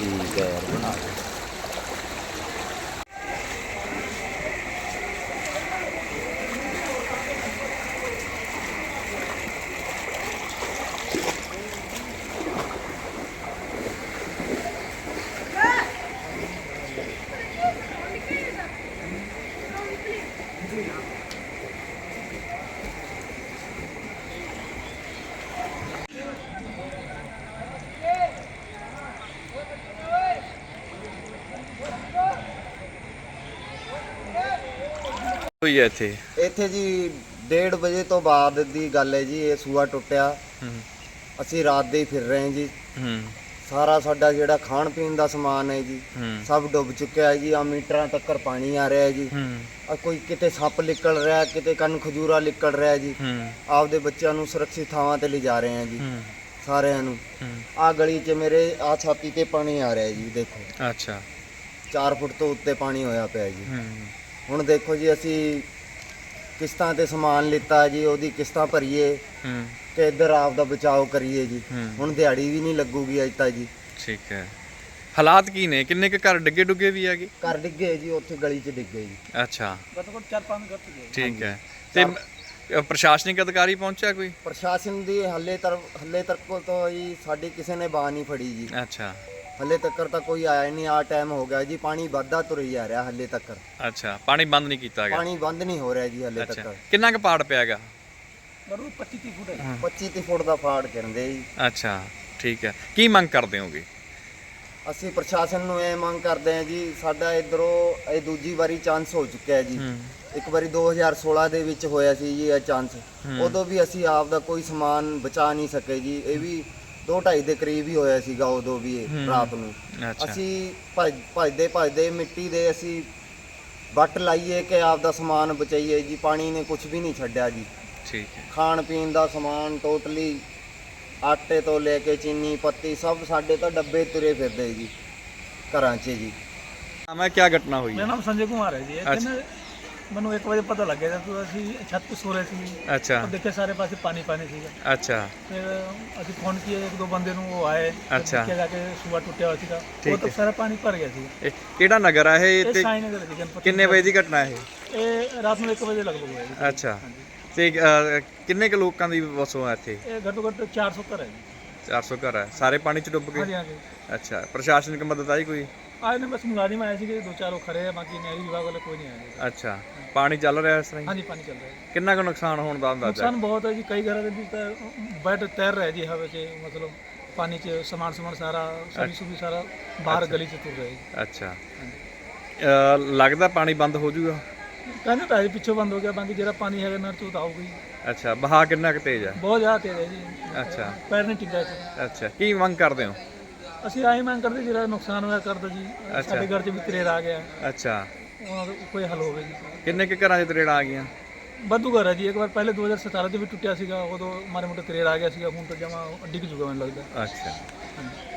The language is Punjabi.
ठीक है यार बना दो। ਹੋਈ ਹੈ ਇੱਥੇ ਇੱਥੇ ਜੀ 1:30 ਵਜੇ ਤੋਂ ਬਾਅਦ ਦੀ ਗੱਲ ਹੈ ਜੀ। ਇਹ ਸੂਆ ਟੁੱਟਿਆ, ਅਸੀਂ ਰਾਤ ਦੇ ਹੀ ਫਿਰ ਰਹੇ ਜੀ। ਸਾਰਾ ਸਾਡਾ ਜਿਹੜਾ ਖਾਣ ਪੀਣ ਦਾ ਸਮਾਨ ਹੈ ਜੀ ਸਭ ਡੁੱਬ ਚੁੱਕਿਆ ਹੈ ਜੀ। ਆ ਮੀਟਰਾਂ ਤੱਕ ਪਾਣੀ ਆ ਰਿਹਾ ਹੈ ਜੀ। ਆ ਕੋਈ ਕਿਤੇ ਸੱਪ ਨਿਕਲ ਰਿਹਾ, ਕਿਤੇ ਕੰਨ ਖਜੂਰਾ ਨਿਕਲ ਰਿਹਾ ਜੀ। ਆਪਦੇ ਬੱਚਿਆਂ ਨੂੰ ਸੁਰੱਖਿਅਤ ਥਾਵਾਂ ਤੇ ਲਿਜਾ ਰਹੇ ਆ ਜੀ ਸਾਰਿਆਂ ਨੂੰ। ਆ ਗਲੀ 'ਚ ਮੇਰੇ ਆ ਛਾਤੀ ਤੇ ਪਾਣੀ ਆ ਰਿਹਾ ਜੀ, ਦੇਖੋ। ਅੱਛਾ 4 ਫੁੱਟ ਤੋਂ ਉੱਤੇ ਪਾਣੀ ਹੋਇਆ ਪਿਆ ਜੀ। ਹੁਣ ਦੇਖੋ ਜੀ, ਅਸੀਂ ਕਿਸ਼ਤਾਂ ਤੇ ਸਮਾਨ ਲਿੱਤਾ ਜੀ, ਉਹਦੀ ਕਿਸ਼ਤਾਂ ਭਰੀਏ ਤੇ ਇੱਧਰ ਆਪ ਦਾ ਬਚਾਓ ਕਰੀਏ ਜੀ। ਹੁਣ ਦਿਹਾੜੀ ਵੀ ਨਹੀਂ ਲੱਗੂਗੀ ਅੱਜ ਤਾਂ ਜੀ। ਠੀਕ ਹੈ। ਹਾਲਾਤ ਕੀ ਨੇ? ਕਿੰਨੇ ਕੁ ਘਰ ਡਿੱਗੇ ਡੁੱਗੇ ਵੀ ਹੈਗੇ? ਘਰ ਡਿੱਗੇ ਜੀ, ਉੱਥੇ ਗਲੀ 'ਚ ਡਿੱਗੇ ਜੀ। ਅੱਛਾ ਘੱਟੋ ਘੱਟ 4-5 ਘਰ ਡਿੱਗੇ। ਠੀਕ ਹੈ। ਤੇ ਪ੍ਰਸ਼ਾਸਨਿਕ ਅਧਿਕਾਰੀ ਪਹੁੰਚਿਆ ਕੋਈ? ਪ੍ਰਸ਼ਾਸਨ ਦੀ ਹੱਲੇ ਤੱਕ ਤੋਂ ਜੀ ਸਾਡੀ ਕਿਸੇ ਨੇ ਬਾਹ ਨਹੀਂ ਫੜੀ ਜੀ। ਅੱਛਾ ਹੱਲੇ ਤੱਕ ਤਾਂ ਕੋਈ ਆਇਆ ਨਹੀਂ। ਆ ਟਾਈਮ ਹੋ ਗਿਆ ਜੀ, ਪਾਣੀ ਵੱਧਦਾ ਤੁਰ ਜਾ ਰਿਹਾ ਹੱਲੇ ਤੱਕ। ਅੱਛਾ ਪਾਣੀ ਬੰਦ ਨਹੀਂ ਕੀਤਾ ਗਿਆ? ਪਾਣੀ ਬੰਦ ਨਹੀਂ ਹੋ ਰਿਹਾ ਜੀ ਹੱਲੇ ਤੱਕ। ਕਿੰਨਾ ਕੁ ਪਾੜ ਪਿਆ ਹੈਗਾ? 25-30 ਫੁੱਟ ਹੈ। 25-30 ਫੁੱਟ ਦਾ ਫਾੜ ਕਹਿੰਦੇ ਜੀ। ਅੱਛਾ ਠੀਕ ਹੈ। ਕੀ ਮੰਗ ਕਰਦੇ ਹੋਗੇ? ਅਸੀਂ ਪ੍ਰਸ਼ਾਸਨ ਨੂੰ ਇਹ ਮੰਗ ਕਰਦੇ ਹਾਂ ਜੀ, ਸਾਡਾ ਇਧਰੋਂ ਇਹ ਦੂਜੀ ਵਾਰੀ ਚਾਂਸ ਹੋ ਚੁੱਕਿਆ ਹੈ ਜੀ। ਇੱਕ ਵਾਰੀ 2016 ਦੇ ਵਿੱਚ ਹੋਇਆ ਸੀ ਜੀ ਇਹ ਚਾਂਸ। ਉਦੋਂ ਵੀ ਅਸੀਂ ਆਪ ਦਾ ਕੋਈ ਸਮਾਨ ਬਚਾ ਨਹੀਂ ਸਕੇ ਜੀ। ਇਹ ਵੀ 2-2.5 ਦੇ ਕਰੀਬ ਹੀ ਹੋਇਆ ਸੀਗਾ ਉਦੋਂ ਵੀ ਰਾਤ ਨੂੰ। ਅਸੀਂ ਭੱਜਦੇ ਮਿੱਟੀ ਦੇ ਅਸੀਂ ਵੱਟ ਲਾਈਏ ਕਿ ਆਪ ਦਾ ਸਮਾਨ ਬਚਾਈਏ ਜੀ। ਪਾਣੀ ਨੇ ਕੁਝ ਵੀ ਨਹੀਂ ਛੱਡਿਆ ਜੀ। ਠੀਕ ਹੈ। ਖਾਣ ਪੀਣ ਦਾ ਸਮਾਨ ਟੋਟਲੀ, ਆਟੇ ਤੋਂ ਲੈ ਕੇ ਚੀਨੀ ਪੱਤੀ ਸਭ ਸਾਡੇ ਤਾਂ ਡੱਬੇ ਤੁਰੇ ਫਿਰਦੇ ਜੀ ਘਰਾਂ 'ਚ ਜੀ। ਮੈਂ ਕੀ ਘਟਨਾ ਹੋਈ? ਮੇਰਾ ਨਾਮ ਸੰਜੇ ਕੁਮਾਰ ਹੈ ਜੀ। ਇੱਥੇ ਮੈਨੂੰ 1 ਵਜੇ ਪਤਾ ਲੱਗਿਆ ਜਦੋਂ ਅਸੀਂ ਛੱਤ ਤੇ ਸੋ ਰਹੇ ਸੀ। ਅੱਛਾ ਦੇਖਿਆ ਸਾਰੇ ਪਾਸੇ ਪਾਣੀ ਸੀਗਾ। ਅੱਛਾ ਫਿਰ ਅਸੀਂ ਫੋਨ ਕੀਏ, 1-2 ਬੰਦੇ ਨੂੰ, ਉਹ ਆਏ। ਅੱਛਾ ਜਾ ਕੇ ਸੂਆ ਟੁੱਟਿਆ ਹੋਇਆ ਸੀਗਾ, ਉਹ ਤਾਂ ਸਾਰਾ ਪਾਣੀ ਭਰ ਗਿਆ ਸੀ। ਇਹ ਕਿਹੜਾ ਨਗਰ ਆ ਇਹ? ਇਹ ਤੇ ਸਾਈ ਨਗਰ ਦੀ ਗਣਪਤੀ। ਕਿੰਨੇ ਵਜੇ ਦੀ ਘਟਨਾ ਇਹ? ਇਹ ਰਾਤ ਨੂੰ 1 ਵਜੇ ਲਗਭਗ ਹੋਇਆ ਜੀ। ਅੱਛਾ ਤੇ ਕਿੰਨੇ ਕੁ ਲੋਕਾਂ ਦੀ ਵਸੋਂ ਹੈ ਇੱਥੇ? ਇਹ ਘੱਟੋ ਘੱਟ 400 ਘਰ ਹੈ ਜੀ। 400 ਘਰ ਹੈ, ਸਾਰੇ ਪਾਣੀ ਚ ਡੁੱਬ ਹਾਂਜੀ ਗਏ? ਹਾਂਜੀ। ਅੱਛਾ ਪ੍ਰਸ਼ਾਸਨਿਕ ਮਦਦ ਆਈ ਕੋਈ? ਆਏ ਨੇ ਬਸ ਮੁਲਾਜ਼ਮ ਆਏ ਸੀਗੇ 2-4 ਖੜੇ ਆ, ਬਾਕੀ ਨਹਿਰੀ ਵਿਭਾਗ ਵਾਲੇ ਕੋਈ ਨਹੀਂ ਆਏ। ਅੱਛਾ ਪਾਣੀ ਚੱਲ ਰਿਹਾ ਇਸ ਤਰ੍ਹਾਂ ਹੀ? ਹਾਂਜੀ ਪਾਣੀ ਚੱਲ ਰਿਹਾ ਹੈ। ਕਿੰਨਾ ਕੁ ਨੁਕਸਾਨ ਹੋਣ ਦਾ ਅੰਦਾਜ਼ਾ? ਨੁਕਸਾਨ ਬਹੁਤ ਹੈ ਜੀ। ਕਈ ਘਰਾਂ ਦੇ ਵਿੱਚ ਤਾਂ ਬੈਠ ਤੈਰ ਰਿਹਾ ਜੀ ਹਵਾ 'ਚ, ਮਤਲਬ ਪਾਣੀ 'ਚ ਸਮਾਨ ਸਾਰਾ ਸਬਜ਼ੀ ਸਾਰਾ ਬਾਹਰ ਗਲੀ 'ਚ ਤੁਰ ਰਿਹਾ ਜੀ। ਅੱਛਾ ਲੱਗਦਾ ਪਾਣੀ ਬੰਦ ਹੋ ਜਾਊਗਾ? ਕਹਿੰਦੇ ਤਾਂ ਪਿੱਛੋਂ ਬੰਦ ਹੋ ਗਿਆ, ਬਾਕੀ ਜਿਹੜਾ ਪਾਣੀ ਹੈਗਾ ਨਹਿਰ 'ਚ ਉਹ ਤਾਂ ਆਊਗਾ ਹੀ। ਅੱਛਾ ਬਹਾ ਕਿੰਨਾ ਕੁ ਤੇਜ਼ ਹੈ? ਬਹੁਤ ਜ਼ਿਆਦਾ ਤੇਜ਼ ਹੈ ਜੀ। ਅੱਛਾ ਪੈਰ ਨਹੀਂ ਟਿਕਦਾ ਇੱਥੇ। ਅੱਛਾ ਕੀ ਮੰਗ ਕਰਦੇ ਹੋ? ਅਸੀਂ ਆਹੀ ਮੰਗ ਕਰਦੇ ਜਿਹੜਾ ਨੁਕਸਾਨ ਹੋਇਆ ਕਰ ਦਿਓ ਜੀ। ਸਾਡੇ ਘਰ 'ਚ ਵੀ ਤਰੇੜ ਆ ਗਿਆ, ਅੱਛਾ ਉਹਨਾਂ ਦਾ ਕੋਈ ਹੱਲ ਹੋਵੇ ਜੀ। ਕਿੰਨੇ ਕੁ ਘਰਾਂ 'ਚ ਤਰੇੜਾਂ ਆ ਗਈਆਂ? ਵਾਧੂ ਘਰ ਹੈ ਜੀ। ਇੱਕ ਵਾਰ ਪਹਿਲੇ 2017 'ਚ ਵੀ ਟੁੱਟਿਆ ਸੀਗਾ, ਉਦੋਂ ਮਾਰੇ ਮੋਟੇ ਤਰੇੜ ਆ ਗਿਆ ਸੀਗਾ। ਹੁਣ ਤਾਂ ਜਮਾ ਡਿੱਗ ਜੂਗਾ ਮੈਨੂੰ ਲੱਗਦਾ। ਅੱਛਾ ਹਾਂਜੀ।